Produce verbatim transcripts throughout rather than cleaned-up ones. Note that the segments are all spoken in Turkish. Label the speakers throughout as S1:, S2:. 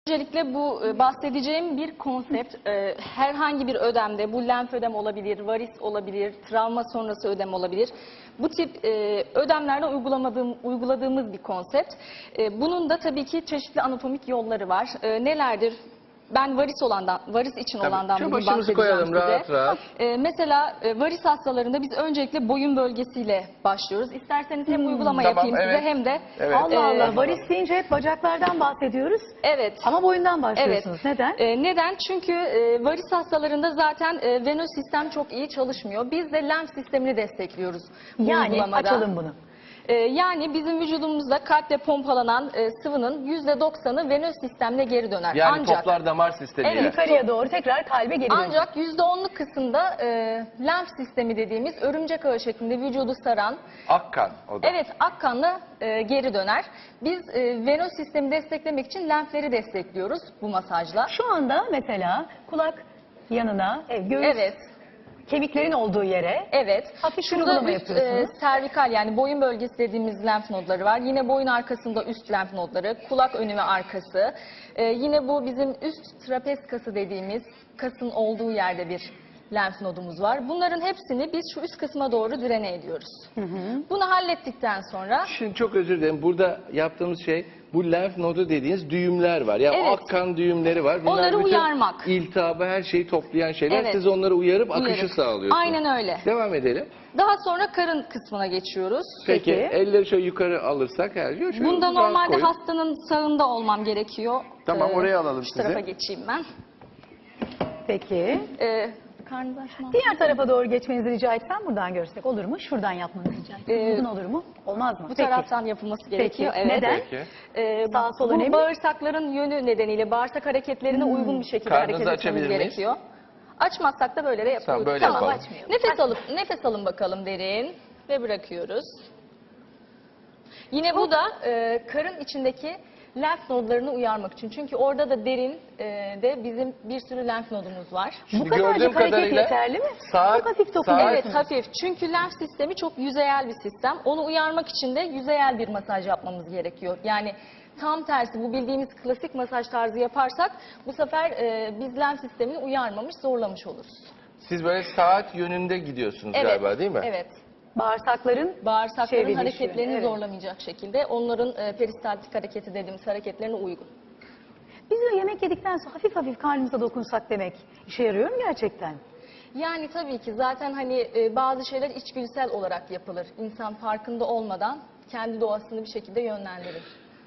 S1: Öncelikle bu e, bahsedeceğim bir konsept. E, herhangi bir ödemde, bu lenf ödem olabilir, varis olabilir, travma sonrası ödem olabilir. Bu tip e, ödemlerde uygulamadığım, uyguladığımız bir konsept. E, bunun da tabii ki çeşitli anatomik yolları var. E, nelerdir? Ben varis olandan, varis için
S2: Tabii.
S1: olandan
S2: Şu
S1: bugün
S2: başımızı
S1: bahsedeceğim
S2: koyalım
S1: size.
S2: rahat rahat.
S1: Ee, mesela e, varis hastalarında biz öncelikle boyun bölgesiyle başlıyoruz. İsterseniz hem uygulama
S2: Tamam,
S1: yapayım
S2: evet.
S1: size hem de...
S2: Evet.
S3: Allah
S1: Ee,
S3: Allah, varis deyince hep bacaklardan bahsediyoruz
S1: Evet.
S3: ama boyundan
S1: Evet.
S3: başlıyorsunuz. Neden?
S1: Ee, neden? Çünkü e, varis hastalarında zaten e, venöz sistem çok iyi çalışmıyor. Biz de lenf sistemini destekliyoruz bu
S3: Yani
S1: uygulamada.
S3: açalım bunu.
S1: Ee, yani bizim vücudumuzda kalple pompalanan e, sıvının yüzde doksanı venöz sistemle geri döner.
S2: Yani
S1: Ancak
S2: toplar damar sistemiyle.
S1: Evet.
S3: Yukarıya doğru tekrar kalbe geri dönüyor.
S1: Ancak yüzde onluk kısımda e, lenf sistemi dediğimiz örümcek ağı şeklinde vücudu saran,
S2: Akkan o da.
S1: evet, akkanla e, geri döner. Biz e, venöz sistemi desteklemek için lenfleri destekliyoruz bu masajla.
S3: Şu anda mesela kulak yanına, e, göğüs,
S1: Evet,
S3: kemiklerin olduğu yere
S1: evet.
S3: hafif
S1: Şurada
S3: uygulama
S1: üst,
S3: yapıyorsunuz.
S1: e, servikal yani boyun bölgesi dediğimiz lenf nodları var. Yine boyun arkasında üst lenf nodları, kulak önü ve arkası. E, yine bu bizim üst trapez kası dediğimiz kasın olduğu yerde bir lenf nodumuz var. Bunların hepsini biz şu üst kısma doğru direne ediyoruz.
S3: Hı hı.
S1: Bunu hallettikten sonra
S2: Şimdi çok özür dilerim. Burada yaptığımız şey bu lenf nodu dediğiniz düğümler var. Ya
S1: Evet.
S2: akkan düğümleri var. Bunlar
S1: Onları
S2: bütün
S1: uyarmak.
S2: iltihabı, her şeyi toplayan şeyler.
S1: Evet.
S2: Siz onları uyarıp akışı
S1: uyarıp-
S2: sağlıyorsunuz.
S1: Aynen öyle.
S2: Devam edelim.
S1: Daha sonra karın kısmına geçiyoruz.
S2: Peki,
S3: Peki.
S2: elleri şöyle yukarı alırsak her şey. şöyle
S1: Bunda
S2: rahat
S1: normalde
S2: koyun.
S1: hastanın sağında olmam gerekiyor.
S2: Tamam,
S1: Ee,
S2: oraya alalım
S1: şu
S2: sizi.
S1: tarafa geçeyim ben.
S3: Peki.
S1: Ee, karnınızı açmam.
S3: Diğer tarafa doğru geçmenizi rica etsem buradan görsek olur mu? Şuradan yapmanızı rica etsem.
S1: Ee,
S3: Uzun olur mu? Olmaz mı?
S1: Bu
S3: Peki.
S1: taraftan yapılması gerekiyor.
S3: Peki.
S1: Evet.
S3: Neden?
S2: Peki.
S1: Ee,
S3: Sağ sol
S1: bu
S3: önemli.
S1: bağırsakların yönü nedeniyle bağırsak hareketlerine uygun bir şekilde
S2: Karnınızı
S1: hareket etmemiz
S2: açabilir miyiz?
S1: gerekiyor. Açmazsak da böyle de yapıyoruz.
S2: Tamam, böyle yapalım.
S1: açmayalım. Nefes alıp nefes alın bakalım derin ve bırakıyoruz. Yine bu da e, karın içindeki lenf nodlarını uyarmak için. Çünkü orada da derin e, de bizim bir sürü lenf nodumuz var.
S2: Şimdi
S3: Bu kadarcık
S2: gördüğüm
S3: hareket
S2: kadarıyla
S3: yeterli mi?
S2: saat-
S3: Çok hafif
S2: saat-
S3: dokunuyorsunuz.
S1: Evet, hafif. Çünkü lenf sistemi çok yüzeyel bir sistem. Onu uyarmak için de yüzeyel bir masaj yapmamız gerekiyor. Yani tam tersi, bu bildiğimiz klasik masaj tarzı yaparsak bu sefer e, biz lenf sistemini uyarmamış, zorlamış oluruz.
S2: Siz böyle saat yönünde gidiyorsunuz
S1: Evet,
S2: galiba değil mi?
S1: evet.
S3: Bağırsakların
S1: Bağırsakların
S3: çevrilişi,
S1: hareketlerini
S3: evet.
S1: zorlamayacak şekilde onların e, peristaltik hareketi dediğimiz hareketlerine uygun.
S3: Biz de yemek yedikten sonra hafif hafif karnımıza dokunsak demek işe yarıyor mu gerçekten?
S1: Yani tabii ki zaten hani e, bazı şeyler içgüdüsel olarak yapılır. İnsan farkında olmadan kendi doğasını bir şekilde yönlendirir.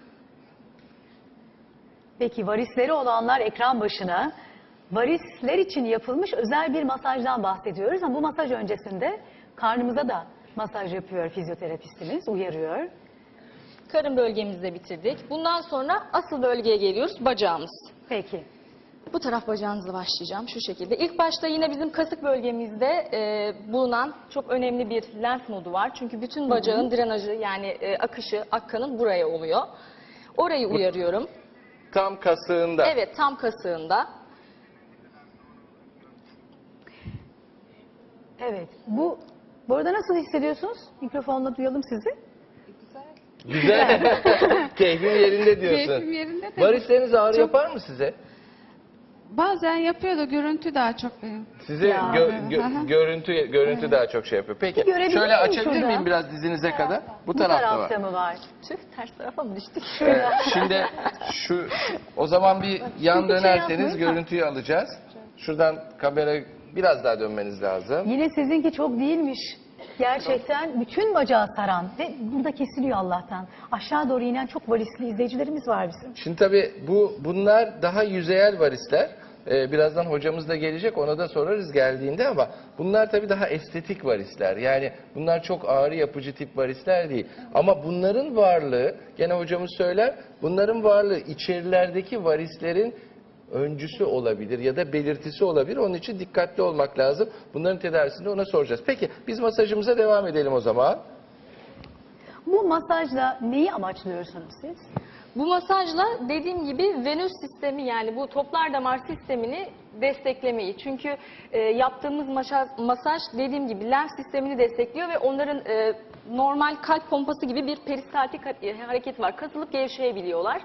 S3: Peki varisleri olanlar ekran başına, varisler için yapılmış özel bir masajdan bahsediyoruz. Ama bu masaj öncesinde karnımıza da masaj yapıyor fizyoterapistimiz, uyarıyor.
S1: Karın bölgemizde bitirdik. Bundan sonra asıl bölgeye geliyoruz, bacağımız.
S3: Peki.
S1: Bu taraf bacağınızla başlayacağım şu şekilde. İlk başta yine bizim kasık bölgemizde e, bulunan çok önemli bir lenf nodu var. Çünkü bütün bacağın drenajı yani e, akışı, akkanın buraya oluyor. Orayı uyarıyorum.
S2: Tam kasığında.
S1: Evet, tam kasığında.
S3: Evet. Bu bu arada nasıl hissediyorsunuz? Mikrofonla duyalım sizi.
S2: Güzel. Keyfim yerinde diyorsun.
S4: Keyfim yerinde de.
S2: Varisleriniz ağrı yapar mı size?
S4: Bazen yapıyor da görüntü daha çok benim.
S2: Size
S3: Ya.
S2: gö- gö-
S4: Hı hı.
S2: görüntü görüntü daha çok şey yapıyor. Peki
S3: Bir görebilir
S2: şöyle
S3: miyim
S2: açabilir
S3: şurada?
S2: miyim biraz dizinize kadar? Bu,
S3: Bu
S2: tarafta,
S3: tarafta
S2: var.
S3: mı var?
S1: Tüh, ters tarafa mı düştük?
S2: Evet, şimdi şu o zaman bir yan
S3: Çünkü şey
S2: dönerseniz
S3: yapmayın.
S2: görüntüyü alacağız. Şuradan kamera biraz daha dönmeniz lazım.
S3: Yine sizinki çok değilmiş. Gerçekten bütün bacağı saran ve burada kesiliyor Allah'tan. Aşağı doğru inen çok varisli izleyicilerimiz var bizim.
S2: Şimdi tabii bu bunlar daha yüzeyel varisler. Ee, birazdan hocamız da gelecek, ona da sorarız geldiğinde, ama bunlar tabii daha estetik varisler. Yani bunlar çok ağrı yapıcı tip varisler değil. Ama bunların varlığı, gene hocamız söyler, bunların varlığı içerilerdeki varislerin öncüsü olabilir ya da belirtisi olabilir. Onun için dikkatli olmak lazım. Bunların tedavisini ona soracağız. Peki biz masajımıza devam edelim o zaman.
S3: Bu masajla neyi amaçlıyorsunuz siz?
S1: Bu masajla dediğim gibi venöz sistemi yani bu toplar damar sistemini desteklemeyi. Çünkü e, yaptığımız masaj, masaj dediğim gibi lenf sistemini destekliyor ve onların e, normal kalp pompası gibi bir peristaltik hareket var. Kasılıp gevşeyebiliyorlar.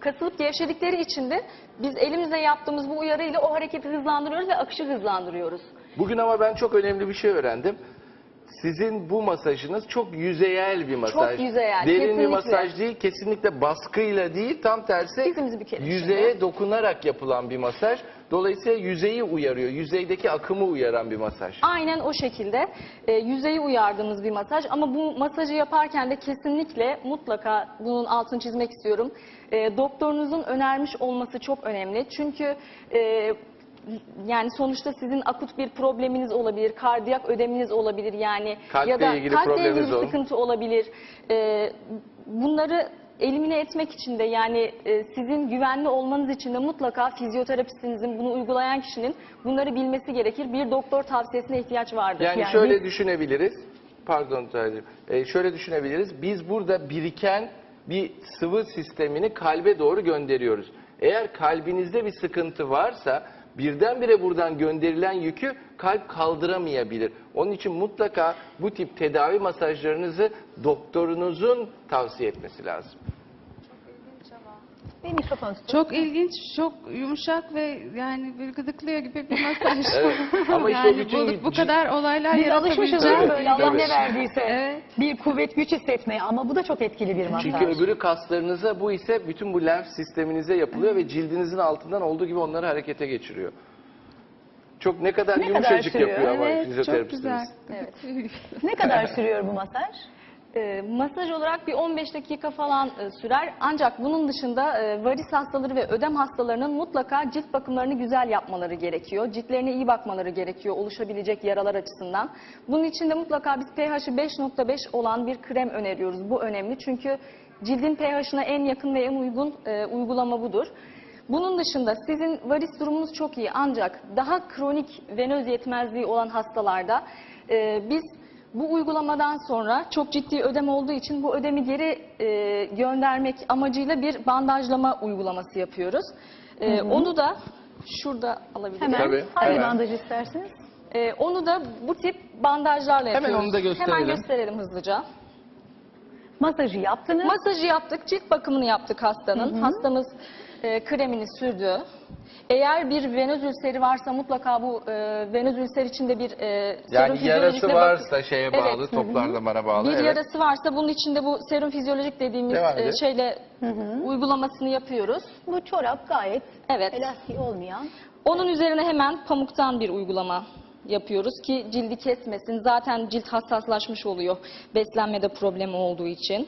S1: kasılıp gevşedikleri için de biz elimizle yaptığımız bu uyarıyla o hareketi hızlandırıyoruz ve akışı hızlandırıyoruz.
S2: Bugün ama ben çok önemli bir şey öğrendim. Sizin bu masajınız çok yüzeyel bir masaj.
S1: yüzeyel,
S2: Derin bir
S1: kesinlikle.
S2: masaj değil, kesinlikle baskıyla değil, tam tersi
S1: Dizimizi bükelim
S2: yüzeye
S1: şimdi.
S2: dokunarak yapılan bir masaj. Dolayısıyla yüzeyi uyarıyor, yüzeydeki akımı uyaran bir masaj.
S1: Aynen o şekilde e, yüzeyi uyardığımız bir masaj ama bu masajı yaparken de kesinlikle mutlaka bunun altını çizmek istiyorum. E, doktorunuzun önermiş olması çok önemli. Çünkü e, yani sonuçta sizin akut bir probleminiz olabilir, kardiyak ödeminiz olabilir yani
S2: Kalple
S1: ya da
S2: ilgili
S1: kalple ilgili
S2: probleminiz
S1: bir
S2: olur.
S1: sıkıntı olabilir. E, bunları elimine etmek için de yani e, sizin güvenli olmanız için de mutlaka fizyoterapistinizin, bunu uygulayan kişinin bunları bilmesi gerekir. Bir doktor tavsiyesine ihtiyaç vardır.
S2: Yani,
S3: Yani
S2: şöyle
S3: biz-
S2: düşünebiliriz. Pardon Tacir. Ee, şöyle düşünebiliriz. Biz burada biriken bir sıvı sistemini kalbe doğru gönderiyoruz. Eğer kalbinizde bir sıkıntı varsa birdenbire buradan gönderilen yükü kalp kaldıramayabilir. Onun için mutlaka bu tip tedavi masajlarınızı doktorunuzun tavsiye etmesi lazım.
S3: Bir mikrofon tutun.
S4: Çok ilginç, çok yumuşak ve yani bir gıdıklıyor gibi bir masaj.
S2: Evet. Ama işte o
S4: yani
S2: bütün
S4: bu, bu kadar olaylar
S3: Biz alışmışız
S4: yaratabileceğim.
S3: ya böyle Allah
S2: tabii.
S3: ne verdiyse
S4: Evet.
S3: bir kuvvet güç hissetmeye ama bu da çok etkili bir masaj.
S2: Çünkü öbürü kaslarınıza, bu ise bütün bu lenf sisteminize yapılıyor ve cildinizin altından olduğu gibi onları harekete geçiriyor. Çok ne kadar
S3: Ne kadar
S2: yumuşacık
S3: sürüyor?
S2: yapıyor ama
S4: Evet, çok
S2: fizyoterapistiniz.
S4: güzel.
S3: Ne kadar sürüyor bu masaj?
S1: E, masaj olarak bir on beş dakika falan e, sürer. Ancak bunun dışında e, varis hastaları ve ödem hastalarının mutlaka cilt bakımlarını güzel yapmaları gerekiyor. Ciltlerine iyi bakmaları gerekiyor oluşabilecek yaralar açısından. Bunun için de mutlaka biz pH'i beş nokta beş olan bir krem öneriyoruz. Bu önemli çünkü cildin pH'ına en yakın ve en uygun e, uygulama budur. Bunun dışında sizin varis durumunuz çok iyi ancak daha kronik venöz yetmezliği olan hastalarda e, biz bu uygulamadan sonra çok ciddi ödem olduğu için bu ödemi geri e, göndermek amacıyla bir bandajlama uygulaması yapıyoruz. E, onu da şurada alabiliriz.
S3: Hemen
S2: Tabii,
S3: hangi
S2: hemen.
S3: bandaj istersiniz?
S1: E, onu da bu tip bandajlarla
S2: Hemen
S1: yapıyoruz.
S2: onu da gösterelim.
S1: Hemen gösterelim hızlıca.
S3: Masajı yaptınız.
S1: Masajı yaptık, cilt bakımını yaptık hastanın. Hastamız e, kremini sürdü. Eğer bir venöz ülseri varsa mutlaka bu e, venöz ülser içinde bir e, serum
S2: Yani yarası
S1: fizyolojik ve
S2: varsa
S1: bakım-
S2: şeye bağlı,
S1: Evet.
S2: toplar damara bağlı.
S1: Bir
S2: evet.
S1: yarası varsa bunun içinde bu serum fizyolojik dediğimiz
S2: Devam
S1: e,
S2: edelim.
S1: şeyle uygulamasını yapıyoruz.
S3: Bu çorap gayet
S1: Evet.
S3: elastik olmayan.
S1: Onun üzerine hemen pamuktan bir uygulama yapıyoruz ki cildi kesmesin. Zaten cilt hassaslaşmış oluyor beslenmede problemi olduğu için.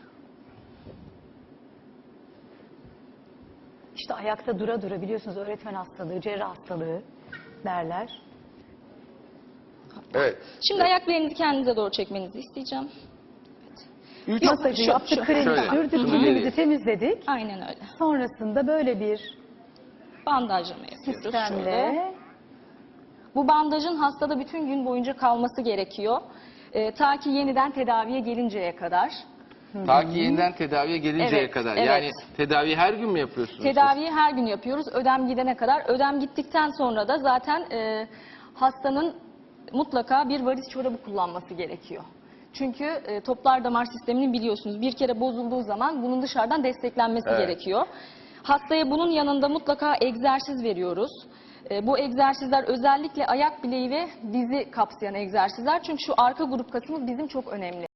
S3: İşte ayakta dura dura biliyorsunuz öğretmen hastalığı, cerrah hastalığı derler.
S2: Evet.
S1: Şimdi ayak bileğinizi kendinize doğru çekmenizi isteyeceğim.
S2: Üç,
S3: Masajı
S1: şu-
S3: yaptık,
S1: şu-
S3: kremi
S2: şöyle,
S3: sürdük,
S2: şunu
S3: cildimizi
S2: vereyim.
S3: temizledik.
S1: Aynen öyle.
S3: Sonrasında böyle bir
S1: Bandajlama yapıyoruz şöyle.
S3: sistemle
S1: Bu bandajın hastada bütün gün boyunca kalması gerekiyor. Ee, ta ki yeniden tedaviye gelinceye kadar.
S2: Ta ki yeniden tedaviye gelinceye
S1: Evet,
S2: kadar.
S1: evet.
S2: Yani tedaviyi her gün mü yapıyorsunuz? siz?
S1: Tedaviyi her gün yapıyoruz ödem gidene kadar. Ödem gittikten sonra da zaten e, hastanın mutlaka bir varis çorabı kullanması gerekiyor. Çünkü e, toplar damar sisteminin biliyorsunuz bir kere bozulduğu zaman bunun dışarıdan desteklenmesi
S2: Evet.
S1: gerekiyor. Hastaya bunun yanında mutlaka egzersiz veriyoruz. E, bu egzersizler özellikle ayak bileği ve dizi kapsayan egzersizler. Çünkü şu arka grup kasımız bizim çok önemli.